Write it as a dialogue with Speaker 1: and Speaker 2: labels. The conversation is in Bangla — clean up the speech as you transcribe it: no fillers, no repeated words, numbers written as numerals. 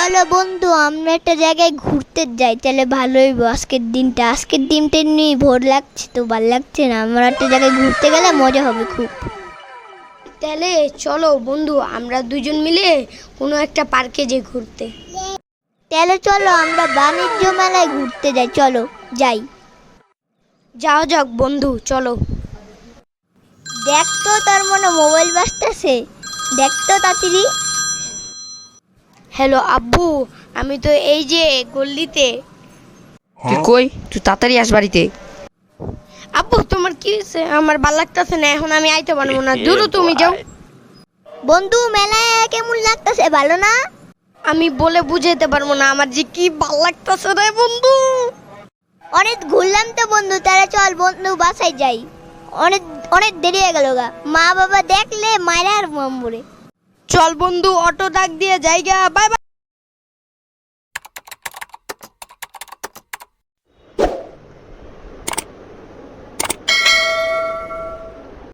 Speaker 1: চলো বন্ধু আমরা একটা জায়গায় ঘুরতে যাই, তাহলে ভালো হইব। আজকের দিনটা নিয়ে ভোর লাগছে, তো ভাল লাগছে না। আমরা একটা জায়গায় ঘুরতে গেলে মজা হবে খুব।
Speaker 2: তাহলে চলো বন্ধু, আমরা দুজন মিলে কোনো একটা পার্কে যাই ঘুরতে।
Speaker 1: তাহলে চলো আমরা বাণিজ্য মেলায় ঘুরতে যাই, চলো যাই।
Speaker 2: যাও যাক বন্ধু, চলো।
Speaker 1: দেখ তো তার মনে মোবাইল বাজতেছে, দেখ তো তাড়াতাড়ি।
Speaker 2: হ্যালো আব্বু, আমি তো এই যে গল্লিতে।
Speaker 3: তুই কই? তুই তাড়াতাড়ি আস বাড়িতে।
Speaker 2: আব্বু তোমার কি হয়েছে? আমার ভাল লাগতেছে না, এখন আমি আইতে পারবো না, দূর তুমি যাও।
Speaker 1: বন্ধু মেলায় কেমন লাগতেছে, ভালো না?
Speaker 2: আমি বলে বুঝাইতে পারবো না, আমার যে কি ভাল লাগতেছে রে বন্ধু।
Speaker 1: অনেক ঘুরলাম তো বন্ধু, তাহলে চল বন্ধু বাসায় যাই। অনেক অনেক দেরি হয়ে গেল গা, মা বাবা দেখলে মায়ের আর মামুরে।
Speaker 2: চল বন্ধু, অটো ডাক দিয়ে জায়গা, বাই বাই।